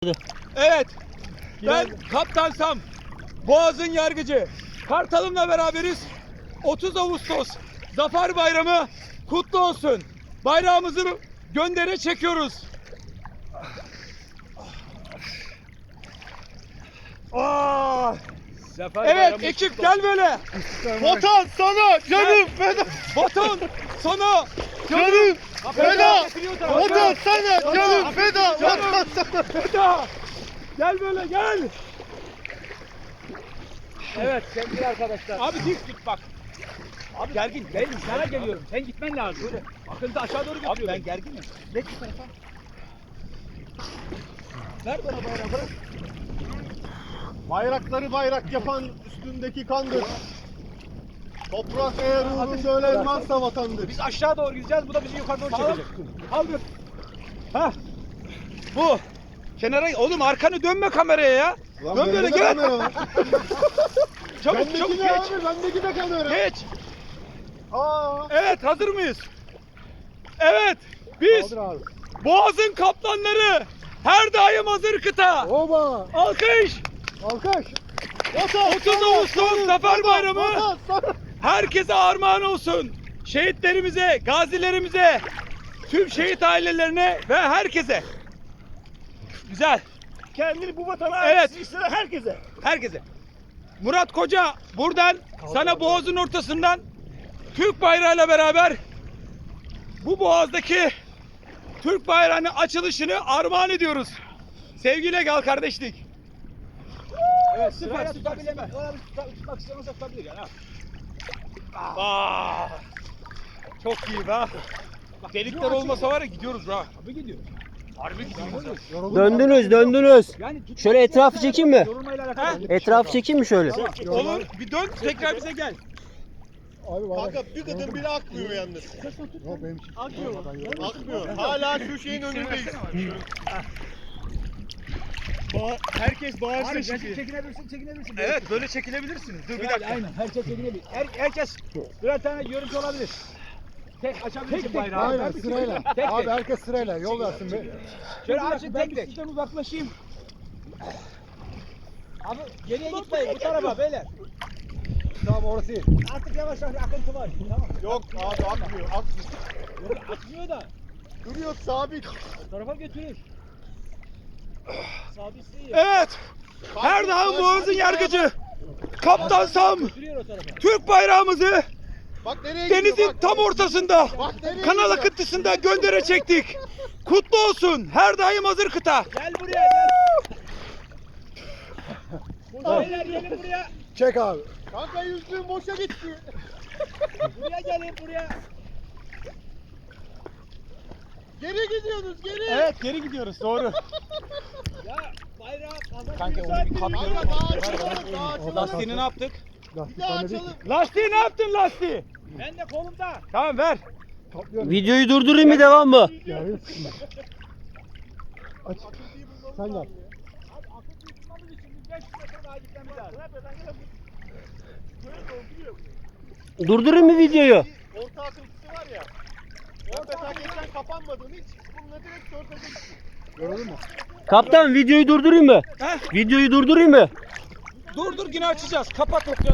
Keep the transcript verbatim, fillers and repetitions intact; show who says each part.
Speaker 1: Evet. Ben Kaptan Sam. Boğaz'ın yargıcı. Kartalım'la beraberiz. otuz Ağustos Zafer Bayramı kutlu olsun. Bayrağımızı göndere çekiyoruz. Aa! Evet ekip gel böyle.
Speaker 2: Vatan sana canım feda.
Speaker 1: Vatan sana
Speaker 2: Canım feda. Vatan sana canım feda. Vatan sana
Speaker 1: feda. Gel böyle gel.
Speaker 3: Evet sevgili arkadaşlar.
Speaker 1: Abi dik git bak.
Speaker 3: Abi gergin. Ben sana geliyorum. Sen gitmen lazım. Böyle akıntı aşağı doğru götürüyor.
Speaker 1: Abi ben gerginim.
Speaker 3: Ne bu tarafa? Ver bana bayrağı bırak.
Speaker 2: Bayrakları bayrak yapan üstündeki kandır. Toprak eğer uğrunda ölenmezse vatandır.
Speaker 3: Biz aşağı doğru gideceğiz. Bu da bizi yukarı doğru
Speaker 1: Sağlam.
Speaker 3: çekecek.
Speaker 1: Kaldır. Ha. Bu. Kenara oğlum arkanı dönme kameraya ya.
Speaker 2: Lan
Speaker 1: Dön
Speaker 2: bende
Speaker 1: böyle
Speaker 2: de
Speaker 1: gel.
Speaker 2: kamera var.
Speaker 1: Çabuk
Speaker 2: Bendeki
Speaker 1: çabuk
Speaker 2: ne
Speaker 1: geç.
Speaker 2: abi? Bendeki de kamera.
Speaker 1: Geç.
Speaker 2: Aa.
Speaker 1: Evet hazır mıyız? Evet. Biz
Speaker 2: Kaldır abi.
Speaker 1: Boğaz'ın kaplanları. Her daim hazır kıta.
Speaker 2: Oba.
Speaker 1: Alkış.
Speaker 2: Alkış.
Speaker 1: otuz Ağustos Zafer Bayramı.
Speaker 2: Vatan sana.
Speaker 1: Herkese armağan olsun. Şehitlerimize, gazilerimize, tüm şehit ailelerine ve herkese. Güzel.
Speaker 3: Kendini bu vatana
Speaker 1: Evet.
Speaker 3: isteyen herkese.
Speaker 1: Herkese. Murat Koca buradan sana boğazın ortasından Türk bayrağıyla beraber bu boğazdaki Türk bayrağının açılışını armağan ediyoruz. Sevgiyle gel kardeşlik.
Speaker 3: Evet
Speaker 1: Süper,
Speaker 3: sırayla
Speaker 1: süper,
Speaker 3: tutabilemez. Ona bir tuta- tutmak istiyorsa tutabilir yani. Ha.
Speaker 1: Aa, çok iyi be. Delikler olmasa var ya gidiyoruz ha.
Speaker 3: Abi gidiyor.
Speaker 1: Harbi gidiyoruz.
Speaker 4: Döndünüz, döndünüz.
Speaker 3: Yani tut-
Speaker 4: Şöyle etrafı çekeyim mi?
Speaker 3: Yorulmayla
Speaker 1: Ha?
Speaker 3: alakalı.
Speaker 4: Etrafı çekeyim mi şöyle?
Speaker 1: Olur. Bir dön tekrar bize gel.
Speaker 2: Abi kanka bir gıdım bile akmıyor yalnız. Yok benim için. Akmıyor. Akmıyor. Hala şu şeyin önündeyiz. Ba herkes bağırsın
Speaker 3: Abi
Speaker 2: şimdi.
Speaker 3: çekinebilirsin, çekinebilirsin.
Speaker 1: Evet böyle çekilebilirsiniz. Dur bir
Speaker 3: Yani
Speaker 1: dakika.
Speaker 3: aynen herkes çekinebilir. Her, herkes birer tane görüntü olabilir. Tek açabilirsin
Speaker 1: tek,
Speaker 3: bayrağı.
Speaker 2: Aynen sırayla.
Speaker 3: Tek tek.
Speaker 2: Abi herkes sırayla yol versin be.
Speaker 3: Şöyle
Speaker 1: Bir dakika,
Speaker 3: açın
Speaker 1: ben
Speaker 3: tek
Speaker 1: bir
Speaker 3: tek.
Speaker 1: sizden uzaklaşayım.
Speaker 3: Abi geriye gitmeyin bu tarafa beyler.
Speaker 2: Tamam orası iyi.
Speaker 3: Artık yavaş yavaş akıntı var. Tamam.
Speaker 2: Yok abi akmıyor. Akmıyor.
Speaker 3: Yok, akmıyor da
Speaker 2: Duruyor sabit.
Speaker 3: o tarafa götürür. Sabitse iyi.
Speaker 1: Evet. Her daim Boğaz'ın yargıcı. Kaptan Sam.
Speaker 3: Götürüyor o tarafa.
Speaker 1: Türk bayrağımızı
Speaker 2: Bak nereye gidiyor
Speaker 1: denizin
Speaker 2: bak.
Speaker 1: tam ortasında.
Speaker 2: Bak nereye
Speaker 1: Kanal
Speaker 2: gidiyor.
Speaker 1: akıntısında göndere çektik. Kutlu olsun. Her daim hazır kıta.
Speaker 3: Gel buraya gel. Burada beyler gelin buraya.
Speaker 2: Çek abi. Kanka yüzlüğün boşa gitti.
Speaker 3: Buraya gelin buraya.
Speaker 2: Geri gidiyorsunuz geri.
Speaker 1: Evet geri gidiyoruz doğru.
Speaker 3: Ya bayrağı kazan.
Speaker 1: Kanka onu bir kapıyorum.
Speaker 2: Kanka daha açalım daha açalım.
Speaker 1: Lastiğini ne yaptık?
Speaker 2: Bir daha açalım.
Speaker 1: Lastiği ne yaptın lastiği?
Speaker 3: Ben de kolumda.
Speaker 1: Tamam ver.
Speaker 4: Videoyu durdurayım mı, devam mı?
Speaker 2: Aç. Sen yap.
Speaker 3: Abi akıntıyı tutmamız için bir beş metre daha gitmemiz lazım.
Speaker 4: Durdurayım mı videoyu?
Speaker 2: Orta akıntısı var ya. Orta mesela geçen kapanmadığını hiç bununla direkt ortada gitti. Gördün mü?
Speaker 4: Kaptan videoyu durdurayım mı?
Speaker 1: Heh.
Speaker 4: Videoyu durdurayım mı?
Speaker 1: Dur dur yine açacağız. Kapat okyanus.